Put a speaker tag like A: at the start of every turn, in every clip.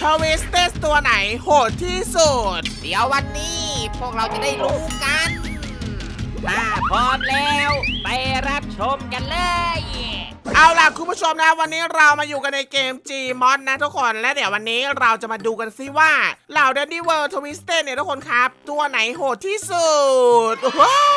A: ทวิสเตสตัวไหนโหดที่สุด
B: เดี๋ยววันนี้พวกเราจะได้รู้กันถ้าพร้อมแล้วไปรับชมกันเลย
A: เอาล่ะคุณผู้ชมนะวันนี้เรามาอยู่กันในเกม Gmod นะทุกคนและเดี๋ยววันนี้เราจะมาดูกันซิว่าเหล่า Dandy World Twisted เนี่ยทุกคนครับตัวไหนโหดที่สุดว้าว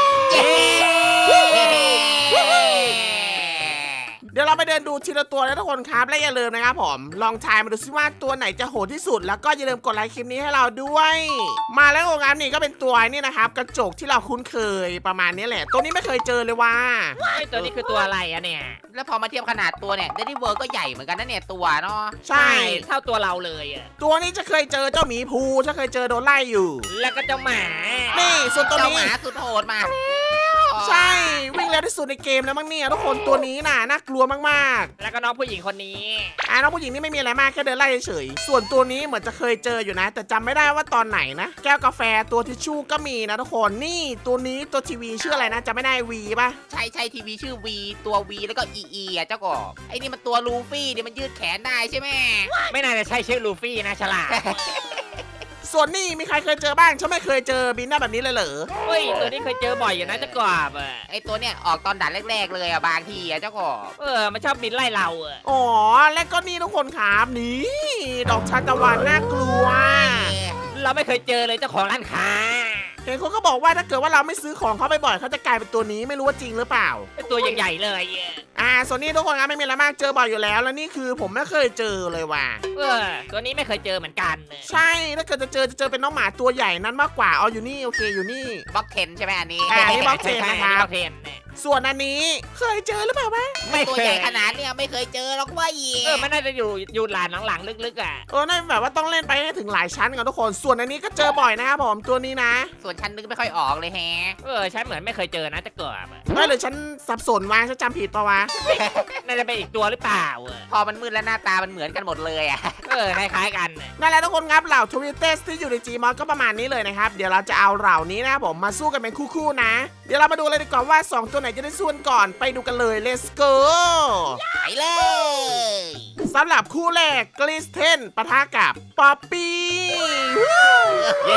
A: เดี๋ยวเราไปเดินดูทีละตัวนะทุกคนครับและอย่าลืมนะครับผมลองทายมาดูซิว่าตัวไหนจะโหดที่สุดแล้วก็อย่าลืมกดไลค์คลิปนี้ให้เราด้วย มาแล้วโรงงานนี่ก็เป็นตัวนี่นะครับกระจกที่เราคุ้นเคยประมาณนี้แหละตัวนี้ไม่เคยเจอเลยว่า
C: ไอ้ตัวนี้คือตัวอะไรอะเนี่ย
B: แล้วพอมาเทียบขนาดตัวเนี่ยเดดี้เวิร์ก็ใหญ่เหมือนกันนะเนี่ยตัวเนาะ
A: ใช่
C: เท่าตัวเราเลยอะ
A: ตัวนี้จะเคยเจอเจ้าหมีภูจะเคยเจอโดนไล่อยู่
C: แล้วก็เจ้าหมา
A: นี่ส่วนตัว
B: เจ้า
A: นี้
B: หมาสุดโหดมา
A: ใช่วิ่งเร็วที่สุดในเกมแล้วมั้งเนี่ยทุกคนตัวนี้น่ะน่ากลัวมาก
C: แล้วก็น้องผู้หญิงคนนี้
A: ๆน้องผู้หญิงนี่ไม่มีอะไรมากแค่เดินไล่เฉยๆส่วนตัวนี้เหมือนจะเคยเจออยู่นะ แต่จำไม่ได้ว่าตอนไหนนะแก้วกาแฟตัวทิชชู่ก็มีนะทุกคนนี่ตัวนี้ตัวทีวีชื่ออะไรนะจำไม่ได้วีป่ะ
B: ใช่ทีวีชื่อวีตัววีแล้วก็อีอ่ะเจ้ากบไอ้นี่มันตัวลูฟี่เนี่ยมันยืดแขนได้ใช่ไหม
C: ไม่น่าจะใช่ชื่อลูฟี่นะฉลาด
A: ส่วนนี่มีใครเคยเจอบ้างฉันไม่เคยเจอบินได้แบบนี้เลยเหรอ
C: เฮ้ยตัวนี้เคยเจอบ่อยอยู่นะเจ้ากบอะ
B: ไอ้ตัวเนี่ยออกตอนด่านแรกๆเลยอ่ะบางทีอ่ะเจ้ากบ
C: มันชอบบินไล่เราอะ
A: อ๋อและก็นี่ทุกคนครับนี่ดอกทานตะวันน่ากลัว
C: เราไม่เคยเจอเลยเจ้าของร้านค้า
A: เห็นคนก็บอกว่าถ้าเกิดว่าเราไม่ซื้อของเขาบ่อยๆเขาจะกลายเป็นตัวนี้ไม่รู้ว่าจริงหรือเปล่า
C: เป็นตัวใหญ่ๆเลยอะ
A: ส่วนนี้ทุกคนครับไม่มีอะไรมากเจอบ่อยอยู่แล้วแล้วนี่คือผมไม่เคยเจอเลยว่ะ
C: ตัวนี้ไม่เคยเจอเหมือนกัน
A: ใช่ถ้าเกิดจะเจอเป็นน้องหมาตัวใหญ่นั้นมากกว่าอยู่นี่โอเคอยู่นี่
B: บล็อกเทนใช่ไหมอันนี้
A: นี่บล็อกเทนนะครับ
C: เทนเนี่ย
A: ส่วนอันนี้เคยเจอหรือเปล่าวะ
C: ไม่
B: ตัว
C: เค
B: ใหญ่
C: ย
B: ขนาดเนี่ยไม่เคยเจอหรอกว่าอี
C: มันน่าจะอยู่หลานหลังๆลึกๆอะ
A: นั่นแบบว่าต้องเล่นไปให้ถึงหลายชั้นกันทุกคนส่วนอันนี้ก็เจอบ่อยนะครับผมตัวนี้นะ
B: ส่วนฉันนึกไม่ค่อยออกเลยแฮะ
C: ฉันเหมือนไม่เคยเจอนะเจ้ากบอะ
A: หรือฉันสับสนวะฉันจำผิดปะวะ
C: น่าจะเป็นอีกตัวหรือเปล่าอะ
B: พอมันมืดแล้วหน้าตามันเหมือนกันหมดเลยอ่ะ
C: คล้ายๆกันน่ะ
A: นั่นแหละทุกคนครับเหล่าทวิตเตอร์ที่อยู่ใน Gmod ก็ประมาณนี้เลยนะครับเดี๋ยวเราจะเอาเหล่านี้นะครับผมมาสู้กันเป็นคู่ๆนะ เดี๋ยวเรามาดูเลยดีกว่าว่า 2 ตัวไหนจะได้สู้กันก่อนไปดูกันเลย let's go
B: ไปเลย
A: สำหรับคู่แรกกลิสเทนปะทะกับป๊อปปี้
C: เย้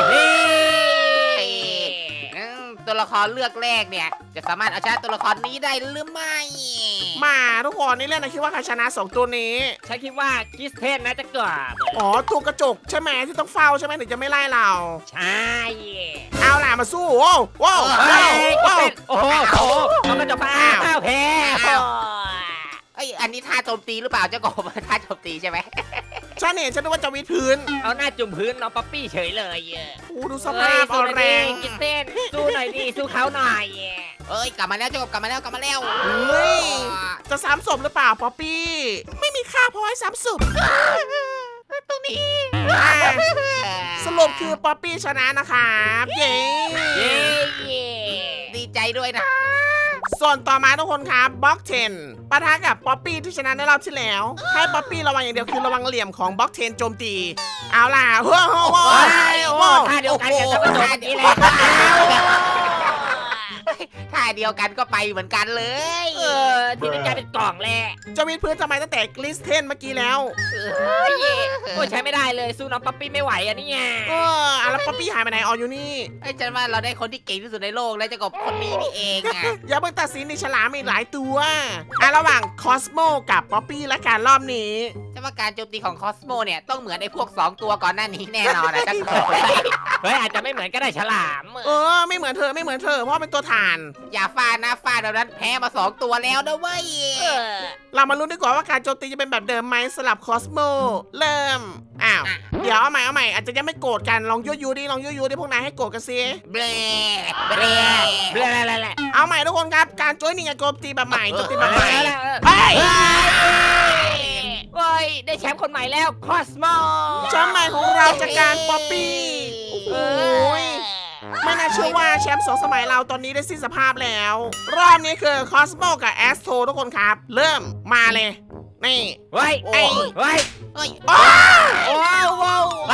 B: ตัวละครเลือกแรกเนี่ย จะสามารถเอาชนะตัวละครนี้ได้หรือไม่
A: มาทุกคนนี่เล่นนะคิดว่าใครชนะ 2 ตัวนี้
C: ฉันคิดว่าคิสเทนนะเจ้ากบ
A: อ๋อตัวกระจกใช่ไหมที่ต้องเฝ้าใช่ไหมถึงจะไม่ไล่เรา
C: ใช่
A: เอาล่ะมาสู้โว้วโว้ว
C: เฮ้
A: โว้วย โว้ว
C: โอ้โหมันก็จะฟ้าแพ้
B: ไอยอันนี้ท่าโจมตีหรือเปล่าเจ้ากบ ท่าโจมตีใช่ไหม
A: ฉันเห็นฉันนึกว่าจะวิดพื้น
C: เอาหน้าจุ่มพื้นน้องป๊อปปี้เฉยเลย
A: โอ้ดูสภาพอ่อนแรง
C: คิสเทนสู้หน่อยดิสู้เขาหน่อย
B: เอ้ยกลับมาแล้วเจ้ากบกลับมาแล้วกลับมาแล้ว
A: เฮ้ยจะซ้ำศพหรือเปล่าป๊อปปี้ไม่มีค่าพอให้ซ้ำศพ
B: ตรงนี้
A: สรุปคือป๊อปปี้ชนะนะครับเย้
C: เย้
B: ดีใจด้วยนะ
A: ส่วนต่อมาทุกคนครับบล็อกเทนปะทะกับป๊อปปี้ที่ชนะในรอบที่แล้ว ให้ป๊อปปี้ระวังอย่างเดียวคือระวังเหลี่ยมของบล็อกเทนโจมตี เอาล่ะว้าวว้าว
C: โอ้ท่าเดียวกันกับเจ้ากระโดดนี้เลย
B: ท่าเดียวกันก็ไปเหมือนกันเลย
C: ที่นี่กลายเป็นกล่องแหละ
A: จะวิดพื้นทำไมตั้งแต่กลิสเทนเมื่อกี้แล้ว
C: โอ้ใช้ไม่ได้เลยสู้น้องป๊อปปี้ไม่ไหวอะเนี่ย
A: แล้วป๊อปปี้หายไปไหนอ๋ออยู่นี่
B: ไอ้ฉันว่าเราได้คนที่เก่งที่สุดในโลกแล้วเจ้ากบคนนี้นี่เองอ่ะ
A: อย่าเพิ่งตัดสินในฉลามมีหลายตัวระหว่างคอสโมกับป๊อปปี้และการรอบนี้
B: ฉันว่าการโจมตีของคอสโมเนี่ยต้องเหมือนไอ้พวก2ตัวก่อนหน้านี้แน่นอนนะเจ้ากบ
C: เฮ้ยอาจจะไม่เหมือนก็ได้ฉลาม
A: ไม่เหมือนเธอเพราะเป็นตัวถ่าน
B: อย่าฟาดนะฟาดแบบนั้นแพ้มา2ตัวแล้วนะเว้ย
A: เรามาลุ้นดีกว่าว่าการโจมตีจะเป็นแบบเดิมไหมสลับคอสโมเริ่มเดี๋ยวเอาใหม่อาจจะยังไม่โกรธกันลองยั่วยุดิพวกนายให้โกรธกันซิ
B: เบล
C: เบลเบลอะไร
A: เอาใหม่ทุกคนครับการโจยนี่ไงโจมตีแบบใหม่โจมตีแบบใหม่
C: เฮ้ยได้แชมป์คนใหม่แล้วคอสโม
A: แชมป์ใหม่ของเราจากการป๊อปปี้โอ้ยไม่น่าเชื่อว่าแชมป์2 สมัยเราตอนนี้ได้สิ้นสภาพแล้ว รอบนี้คือคอสโมกับแอสโททุกคนครับ เริ่มมาเลยนี่
C: เฮ้ย
B: เฮ้ย
C: เฮ้ย
B: เฮ้ย
A: โอ้
C: ว้าวว้าว
A: โอ้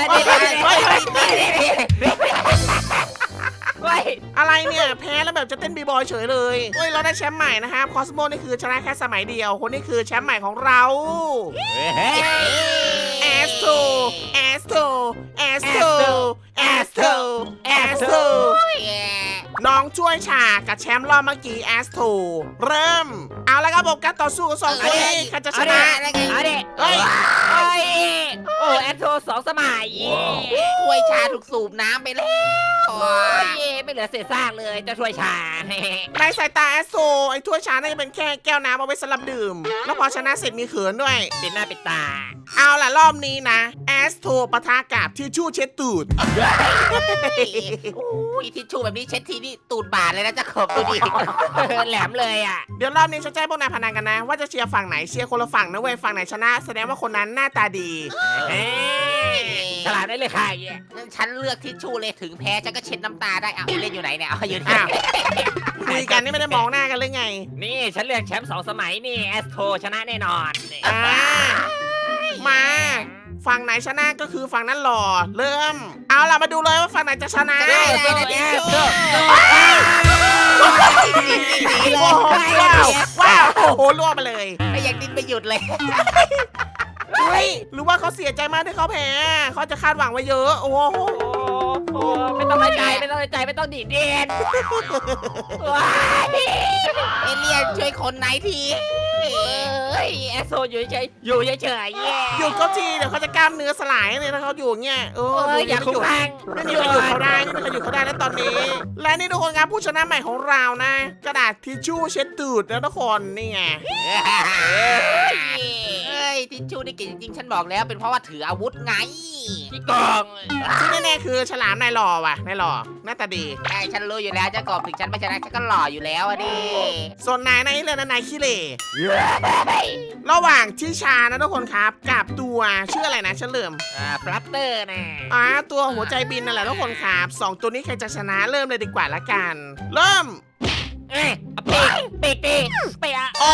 A: อะไรเนี่ยแพ้แล้วแบบจะเต้นบีบอยเฉยเลยเฮ้ยเราได้แชมป์ใหม่นะครับคอสโมนี่คือชนะแค่สมัยเดียวคนนี้คือแชมป์ใหม่ของเราแอสโทแอสโทแอสโทแอสโทแอสโทน้องช่วยฉากกับแชมป์รอบเมื่อกี้แอสโทเริ่มเอาแล้วครับผมการต่อสู้กับสองคนนี้ใครจะชนะ
C: เอาดิ
A: เฮ้ย
C: โอ้ยโอ้แอดโท2 สมัย
B: ถ้วยชาถูกสูบน้ำไปแล้ว
C: โอ้ยไม่เหลือเศษซากเลยเจะช่วยชา
A: ในสายตาแอสโทไอ้ถ้วยชาน่าจะเป็นแค่แก้วน้ำเอาไว้สำหรับดื่ม แล้วพอชนะเสร็จมีเขินด้วย
C: ปิดหน้าปิดตา
A: เอาล่ะรอบนี้นะแอสโทปะทะกับทิชชู่เช็ดตูด
B: โอ้ยทิชชู่แบบนี้เช็ดทีนี่ตูดบาดเลยนะเจะขบดูดิ
C: แหลมเลยอ่ะ
A: เดี๋ยวรอบนี้ฉันจะให้พวกนายพนันกันนะ ว่าจะเชียร์ฝั่งไหนเชียร์คนละฝั่งนะเว้ยฝั่งไหนชนะ แสดงว่าคนนั้นหน้าตาดี
C: เฮ้ยฉลาดได้เลยค่ะ
B: งั้นฉันเลือกทิชชู่เลยถึงแพ้ฉันก็เช็ดน้ำตาได้เอาเล่นอยู่ไหนเนี่ยเอาอยู่
A: อ้า
B: นี่
A: ว คุยกันนี่ไม่ได้มองหน้ากันเลยไง
C: นี่ฉันเลือกแชมป์2 สมัยนี่แอสโทชนะแน่นอนนี่
A: อ่ามาฝั่งไหนชนะก็คือฝั่งนั้นหล่อเริ่ม เอาล่ะมาดูเลยว่าฝั่งไหนจะชนะ
B: ได้นะทิชชู่
A: โอ้โหว้าวโอ้โหล่วงไปเลย
B: ไม่อยากดิ้นไม่หยุดเลย
A: เฮ้ยหรือว่าเขาเสียใจมากที่เขาแพ้เขาจะคาดหวังไว้เยอะโอ้โห
C: โอ้ไม่ต้องใจไม่ต้องใจไม่ต้องดีดเด่นว้าย
B: เอเลี่ยนช่วยคนไหนที
C: เอ้ยแอสโซอยู่เฉยๆอยู่เฉยๆแย่
A: หยุดเขาทีเดี๋ยวเขาจะกล้ามเนื้อสลายเลยถ้าเขาอยู่อย่างเงี้ย
C: เอ้ยอย่าคุ้มข้าง
A: ไม่มีใครหยุดเขาได้ไม่มีใครหยุดเขาได้แล้วตอนนี้ และนี่ทุกคนครับผู้ชนะใหม่ของเรานะ กระดาษทิชชู่เช็ดตูดนะทุกคนนี่ไง
B: เฮ้ยทิชชู่นี่เก่งจริงๆฉันบอกแล้วเป็นเพราะว่าถืออาวุธไง
C: พี่กอง
A: ที่แน่ๆคือฉลามนายหล่อว่ะนายหล่อหน้าตาดี
B: ใช่ฉันรู้อยู่แล้วเจะกบถึงฉันไม่ชนะฉันก็หล่ออยู่แล้วอะดิ
A: ส่วนนายนี่เลยนะนายขี้เหร่ระหว่างที่ชานะทุกคนครับกับตัวชื่ออะไรนะฉันลืม
C: ฟลัตเตอร์นะ
A: ตัวหัวใจบินนั่นแหละทุกคนครับสองตัวนี้ใครจะชนะเริ่มเลยดีกว่าละกัน เริ่ม
C: เอ้ยปีกเปีย
A: อ๋อ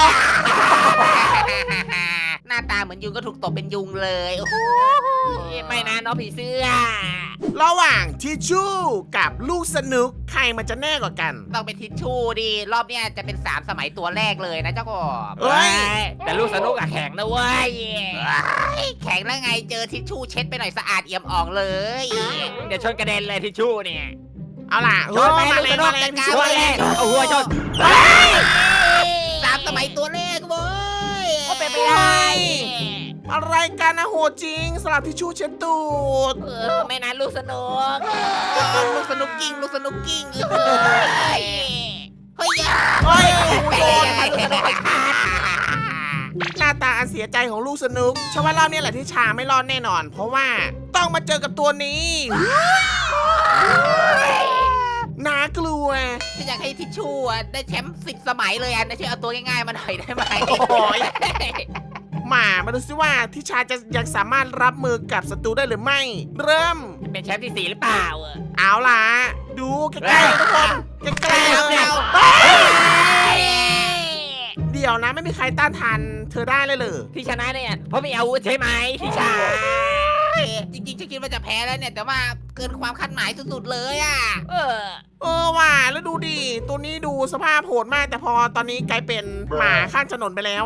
B: หน้าตาเหมือนยุงก็ถูกตบเป็นยุงเลยโอ้โห
C: ไม่นะน้องผีเสื้อ
A: ระหว่างทิชชู่กับลูกสนุกใครมันจะแน่กว่ากัน
B: ต้องเป็นทิชชู่ดิรอบเนี้ยจะเป็น3 สมัยตัวแรกเลยนะเจ้ากบ
A: เอ้ย
C: แต่ลูกสนุกอะแข็งนะเว้ย
B: แข็งแล้วไงเจอทิชชู่เช็ดไปหน่อยสะอาดเอี่ยมอ่องเลย
C: เดี๋ยวชนกระเด็นเลยทิชชู่เนี่ย
A: เอาล่ะ
C: ชนไป
A: มา
C: ลูก
A: เล
C: ส
A: ย
C: นุ
A: มาก เลยทิช
C: ช
A: ชู่
C: นเลยเอาหัวชน
B: 3 สมัยตัวแรกเว้ย
C: ก็เป็นไปได้
A: อะไรกันนะโหดจริงสลับทิชชู่เช็ดตูด
C: ไม่นะลูกสนุก
B: ลูกสนุกกิ้งเฮ้ยเฮ้ยอย่า
A: เฮ้ยโดน
B: ลูกสนุกไปขาด
A: หน้าตาอันเสียใจของลูกสนุกฉันว่ารอบนี้แหละที่ชาไม่รอดแน่นอน เพราะว่าต้องมาเจอกับตัวนี้น่ากลัว
B: ฉันอยากให้ทิชชู่อะได้แชมป์10 สมัยเลยอ่ะนะช่วยเอาตัวง่ายๆมาหน่อยได้ไหม
A: โอ้ย มาดูซิว่าทิชาจะยังสามารถรับมือกับศัตรูได้หรือไม่ เริ่ม
C: จะเป็นแชมป์ที่ 4 หรือเปล่า
A: เอาล่ะ ดูใกล้ๆทุกคนใกล้ๆเลย เดี๋ยวนะไม่มีใครต้านทานเธอได้เลยเหรอ
C: ที่ชนะเนี่ยเพราะมีอาวุธใช่ไหมที่ชา
B: จริงๆฉันคิดว่าจะแพ้แล้วเนี่ยแต่ว่าเกินความคาดหมายสุดๆเลยอ่ะ
A: ว่ะแล้วดูดิตัวนี้ดูสภาพโหดมาก แต่พอตอนนี้กลายเป็นหมาข้างถนนไปแล้ว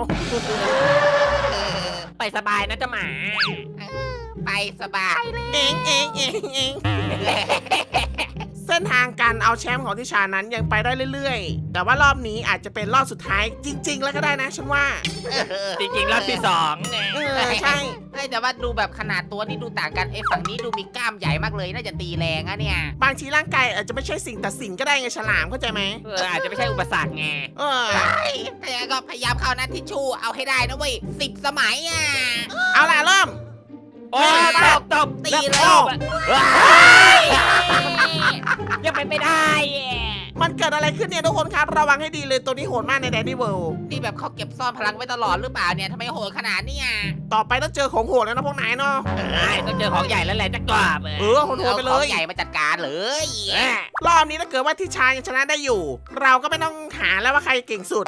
C: ไปสบายนะเจ้าหมา
B: ไปสบายเลย
A: เองเส้นทางการเอาแชมป์ของทิชานั้นยังไปได้เรื่อยๆ แต่ว่ารอบนี้อาจจะเป็นรอบสุดท้ายจริง ๆ แล้วก็ได้นะฉันว่า
C: จริงๆรอบที่2ไง
A: ใช่
B: แต่ว่าดูแบบขนาดตัวนี่ดูต่างกันฝั่งนี้ดูมีกล้ามใหญ่มากเลยน่าจะตีแรงอะเนี่ย
A: บางทีร่างกายอาจจะไม่ใช่สิ่งตัดสินก็ได้ไงฉลามเข้าใจไหม
C: อาจจะไม่ใช่อุปสรรคไง
B: แต่ยังไงก็พยายามเข้านะทิชชู่เอาให้ได้นะเว้ย10 สมัยอ่ะ
A: เอาล่ะเริ่ม
C: โอ้ยตบ
B: ตีเลย
C: ยังไปไม่ได้
A: มันเกิดอะไรขึ้นเนี่ยทุกคนครับระวังให้ดีเลยตัวนี้โหดมากในแดนนี่เวิลด์
B: นี่แบบเขาเก็บซ่อนพลังไว้ตลอดหรือเปล่าเนี่ยทำไมโหดขนาดนี้อ่ะ
A: ต่อไปต้องเจอของโหดแล้วนะพวกนายเนาะ
C: ต้องเจอของใหญ่แล้วแหละจะกรอบ
A: โหดๆไปเล
B: เอาข
A: ย
B: องใหญ่มาจัดการเลย
A: รอบนี้ถ้าเกิดว่าทิชายังชนะได้อยู่ เราก็ไม่ต้องหาแล้วว่าใครเก่งสุด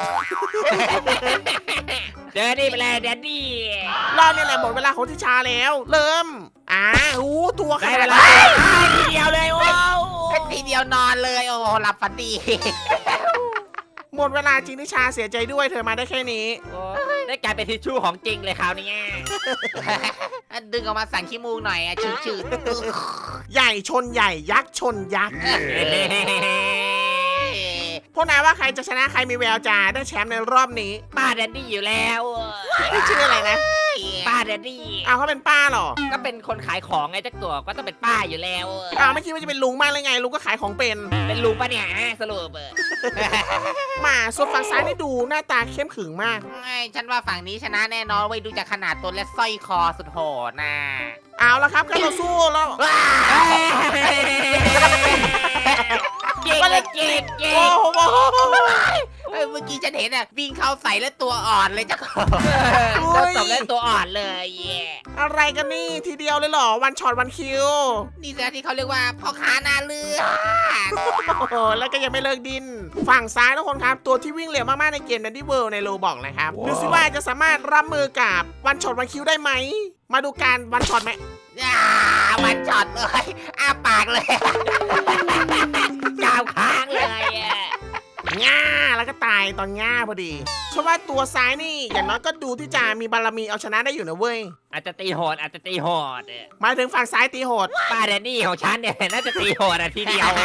C: เดดดี้ไปเลยเดดดี้
A: รอบนี้แหละหมดเวลาของทิชาแล้ว เริ่มตัวข
C: ได้
A: นา
C: เว
A: ด
C: ลา
A: นั้น
C: ทีเดียวเลยว้าว
B: เป็นทีเดียวนอนเลยโอ้โหหลับฝันดี
A: หมดเวลาจริงทิชาเสียใจด้วยเธอมาได้แค่นี้
C: ได้กลายเป็นทิชชู่ของจริงเลยคราวนี้
B: ดึงออกมาสั่งขี้มูกหน่อยอะชืด
A: ใหญ่ชนใหญ่ยักษ์ชนยักษ์
B: ๆ
A: พวกนายว่าใครจะชนะใครมีแววจะได้แชมป์ในรอบนี้
C: ป้าแดดดี้อยู่แล้ว
A: ชื่ออะไรนะ
C: ป้าแดดดี้
A: อ้าวเขาเป็นป้าเหรอ
C: ก็เป็นคนขายของไงเจ้าตัวก็ต้องเป็นป้าอยู่แล้ว
A: อ้าวไม่คิดว่าจะเป็นลุงมากเลยไงลุงก็ขายของเป็น
C: เป็นลุงปะเนี่ยสรุป
A: มาส่วนฝั่งซ้ายนี่ดูหน้าตาเข้มขรึงมาก
B: ฉันว่าฝั่งนี้ชนะแน่นอนไว้ยดูจากขนาดตัวและสร้อยคอสุดโหดนะ
A: เอาละครับการต่อสู้แล้ว
C: เก่งเลยเก่งเก่
A: โอ้
C: ง
A: โห
B: เมื่อกี้ฉันเห็นอะวิ่งเข้าใส่แล้วตัวอ่อนเลยเจ้าของ
C: เราตบเล่นตัวอ่อนเลยเย่
A: อะไรกันนี่ทีเดียวเลยเหรอวันช็อตวันคิว
B: นี่แหละที่เขาเรียกว่าพ่อค้าหน้าเลือด
A: โอ้โหแล้วก็ยังไม่เลิกดิน ฝั่งซ้ายทุกคนครับ ตัวที่วิ่งเร็วมากๆในเกม Dandy World ในโลบอกนะครับ ดูสิว่าจะสามารถรับมือกับวันช็อตวันคิวได้ไหม มาดูการวันช็อตไหม
B: มันช็อตเลยอ้าปากเลย
C: กาวค้างเลยอะ
A: ง่าแล้วก็ตายตอนง่าพอดีเพราะว่าตัวซ้ายนี่อย่างน้อยก็ดูที่จะมีบารมีเอาชนะได้อยู่นะเว้ย
C: อาจจะตีโหดอาจจะตีโหด
A: หมายถึงฝั่งซ้ายตีโหด
C: ป้าแดดดี้ของฉันเนี่ยน่าจะตีโหดทีเดียว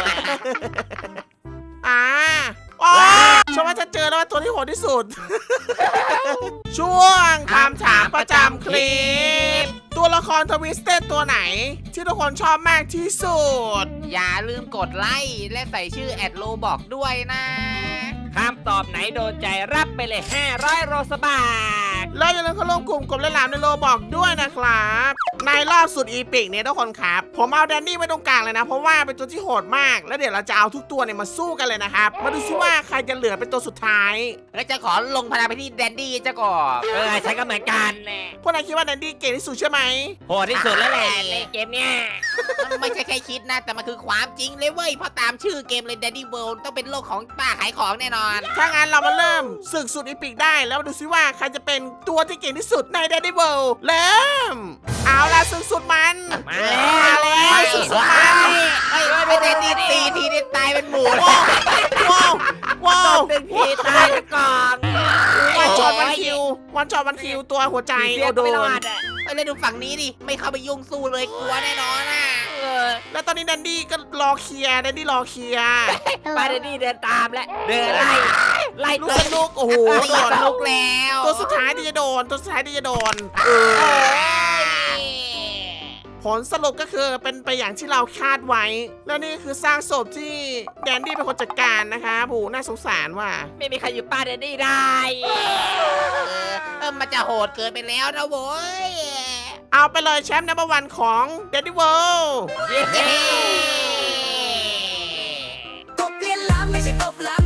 A: อ๋อฉันว่าจะเจอแล้วว่าตัวที่โหดที่สุด ช่วงคำถามประจำคลิป ตัวละครทวิสเต็ดตัวไหน ที่ทุกคนชอบมากที่สุด
B: อย่าลืมกดไลค์และใส่ชื่อแอดโลบอกด้วยนะ
C: คำตอบไหนโดนใจรับไปเลย500โรสบาท
A: แล้วอย่าลืมเข้าร่วมกลุ่มกบและหลามในโลบอกด้วยนะครับ ในรอบสุดอีพิกเนี่ยทุกคนครับ ผมเอาแดนนี่ไว้ตรงกลางเลยนะ เพราะว่าเป็นตัวที่โหดมาก แล้วเดี๋ยวเราจะเอาทุกตัวเนี่ยมาสู้กันเลยนะครับ มาดูซิว่าใครจะเหลือเป็นตัวสุดท้าย
B: แล้วจะขอลงพลังไปที่แดนดี้เจ้าก่อน
C: ฉันก็เหมือนกันแน่
A: พวกนายคิดว่าแดนนี่เก่งที่สุดใช่ไหม
C: โหดที่สุดแล้วแหละในเกมเนี้ย
B: มันไม่ใช่แค่คิดนะ แต่มันคือความจริงเลยเว้ยเพราะตามชื่อเกมเลย Daddy World ต้องเป็นโลกของป้าขายของแน่นอน
A: ถ้างั้นเรามาเริ่มศึกสุดอีพิกได้แล้วมาดูซิว่าใครจะเป็นตัวที่เก่งที่สุดใน Dandy World เริ่ม เอาล่ะศึกสุดมัน
C: มา
A: มาแล้วศึกสุดมัน
B: ไม่แดนดี้ตีทีนี่ตายเป็นหมู
A: ว้าวว้าว
C: ตึงทีตายไปก่อน
A: วันช็อตวันคิววันช็อตวันคิวตัวหัวใจ
C: เสี
A: โอย โด
B: เ
C: ไม่ร
A: น
C: อดอ่ะ
B: แล้วดูฝั่งนี้ดิ ไม่เข้าไปยุ่งสู้เลยกลัวแน่นอนอ่ะ
A: แล้วตอนนี้แดนดี้ก็รอเคลียร์แดนดี้รอเคลียร์
C: ป้าแดดดี้เดินตามและเดินไล่
A: ลูกสนุกโอ้โหโดน
B: สนุกแล้ว
A: ตัวสุดท้ายที่จะโดนตัวสุดท้ายที่จะโดนผลสรุปก็คือเป็นไปอย่างที่เราคาดไว้ แล้วนี่คือสร้างศพที่แดนดี้เป็นคนจัดการนะคะโอ้โหน่าสงสารว่ะ
C: ไม่มีใครอยู่ป้าแดดดี้ได้
B: มันจะโหดเกินไปแล้วนะโว้ย
A: เอาไปเลยแชมป์นัมเบอร์วันของ Dandy World
C: เย้
D: กบเลียนล้ำไม่ใช่กบล้